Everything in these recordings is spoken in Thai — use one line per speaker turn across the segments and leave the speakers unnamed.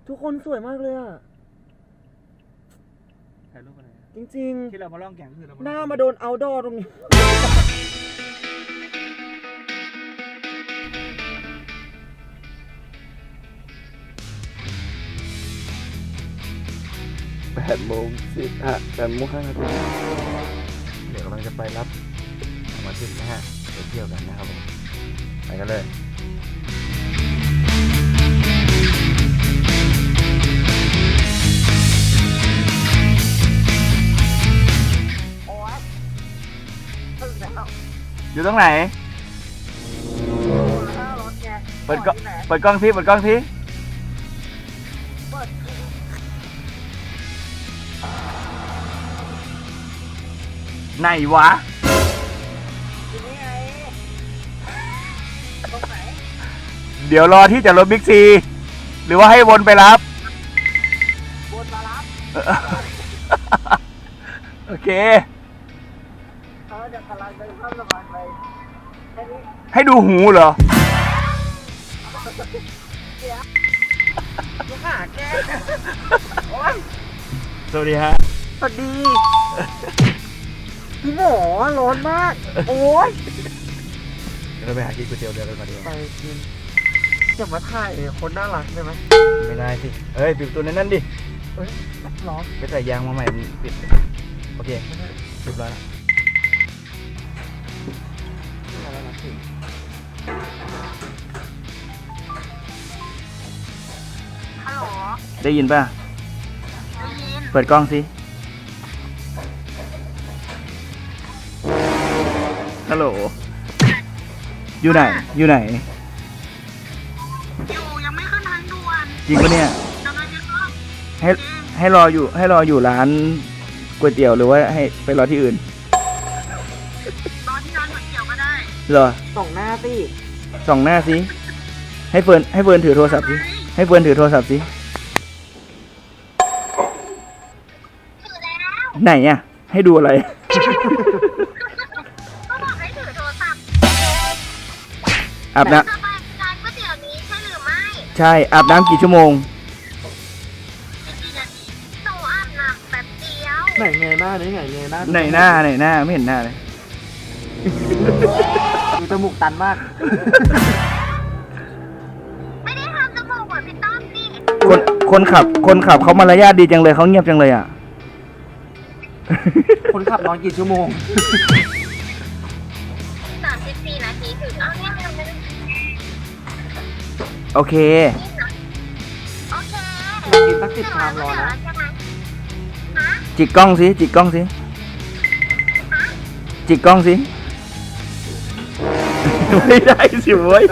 ทุกคนสวยมากเลยอ่ะ
ถ่ายรูปอะไร
จริง
ๆที่เรามาล่องแก่งคือเรา
ๆหน้ามาโดนเอาท์ดอร์ตรงนี้
8:10 8:05 นาทีเดี๋ยวกำลังจะไปรับสมาชิกนะฮะไปเที่ยวกันนะครับผมไปกันเลยอยู่ตรงไหนเปิดกล้องที่ไหนวะเดี๋ยวรอที่จอดรถบิ๊กซีหรือว่าให้วนไปรับโอเคให้ดูหูเหรอสวัสดีฮะ
สวัสดีพี่หมอร้อนมากโอ้ย
เราไปหากินก๋วยเตี๋ยวเรือกันมาดีกว่า
ไปกินจะมาถ่ายคนน่ารักได้ไหม
ไม่ได้สิเอ้ยปิดประตูในนั้นดิ
เอ้ยร้อน
ไปใส่ยางมาใหม่ปิดโอเคเรียบร้อยแล้ว
ฮัลโหล
ได้ยินป่ะ
ได้ยิน
เปิดกล้องสิฮัลโหลอยู่ไหน
ยังไม่ขึ้นทางด่วน
จริงปะเนี่ย
กำลังจะเข้า
ให้รออยู่ร้านก๋วยเตี๋ยวหรือว่าให้ไปรอที่อื่น
รอที่ร้านก๋วยเตี๋ยวก็ได้
เหรอ
ส่องหน้า
สิให้เฟิร์นถือโทรศัพท์สิให้เฟิร์นถือโทรศัพท์สิ
ถือแล้ว
ไหนอ่ะให้ดูอะไร
ก็บอกให้ถือโทรศัพท์
อาบน้
จะไปร้านก๋วยเตี๋ยวนี้ใช่หรือไม่
ำใช่อาบน้ำกี่ชั่วโมง
กี่นาทีหนูอาบน้ำแป๊บเดียว
ไหนเงยหน้าไหนหน้า
ไหนหน้าไม่เห็นหน้าเลย
ดูจมูกตันมาก
ไม่ได้ทำจมูกเหมือนพี่ต้อมนี่
คนขับเขามารยาทดีจังเลยเขาเงียบจังเลยอ่ะ
คนขับนอนกี่ชั่วโมง
34 นาทีถึงเอาเนี่ยไม่ได้
โอเค
โอเค
กินสัก10 ชามรอนะ
จิกกล้องสิไม่ได้สิเว้ย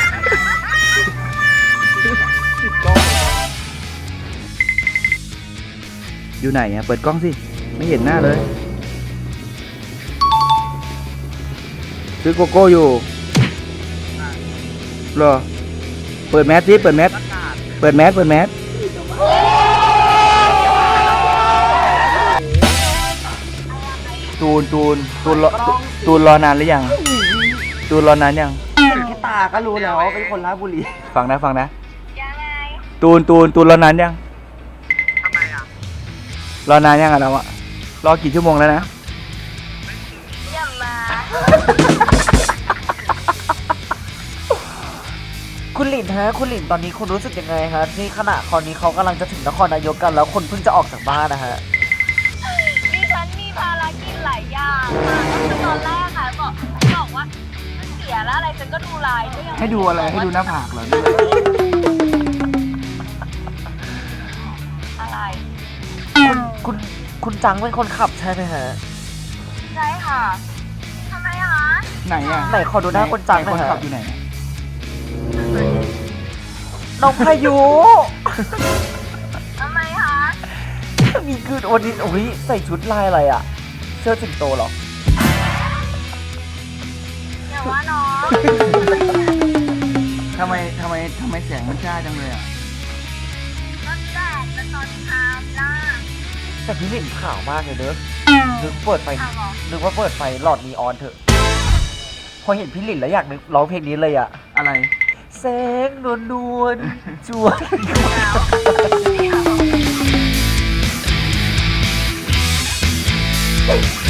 อยู่ไหนอ่ะเปิดกล้องสิไม่เห็นหน้าเลยซื้อโกโก้อยู่รอเปิดแมสตูนรอนานหรือยัง
แค่ตาก็รู้แล้วว่าเป็นคนราชบุรี
ฟังนะ
ยังไง
ตูนรอนานยัง
ทำไมอ่ะ
รอนานยังอะเราอะรอกี่ชั่วโมงแล้วนะ
อย่ามา
คุณหลินตอนนี้คุณรู้สึกยังไงฮะที่ขณะตอนนี้เขากำลังจะถึงนครนายกกันแล้วคนเพิ่งจะออกจากบ้านนะฮะ
ดิฉันมีภารกิจหลายอย่างค่ะก็คือตอนแรกค่ะบอกว่ามันเสียแล้วอะไรฉันก็ดูไลน์ก็ยัง
ให้ดูอะไรให้ดูหน้าผากเหรอ
อะไร
คุณจังเป็นคนขับใช่ไหมฮะ
ใช่ค่ะทำไมคะ
ไหนอ่ะ
ไหนขอดูหน้าคนจังหน่อยฮะ
คนขับอยู่ไหน
น้องพายุ
ทำไมคะ
มีคืนวันนี้โอ้ยใส่ชุดลายอะไรอ่ะเสื้อสิงโตเหรอ
อย่าว่าน้อง
ทำไมแสงมันจ้าจังเลยอ่ะ
ก็แดดเป็นตอนเช้าล่ะ
แต่พี่หลินขาวมากเลยเด้อนึกว่าเปิดไฟหลอดนีออนเถอะพอเห็นพี่หลินแล้วอยากนึกร้องเพลงนี้เลยอ่ะ
อะไร
แสงนวลจวน
แล้ว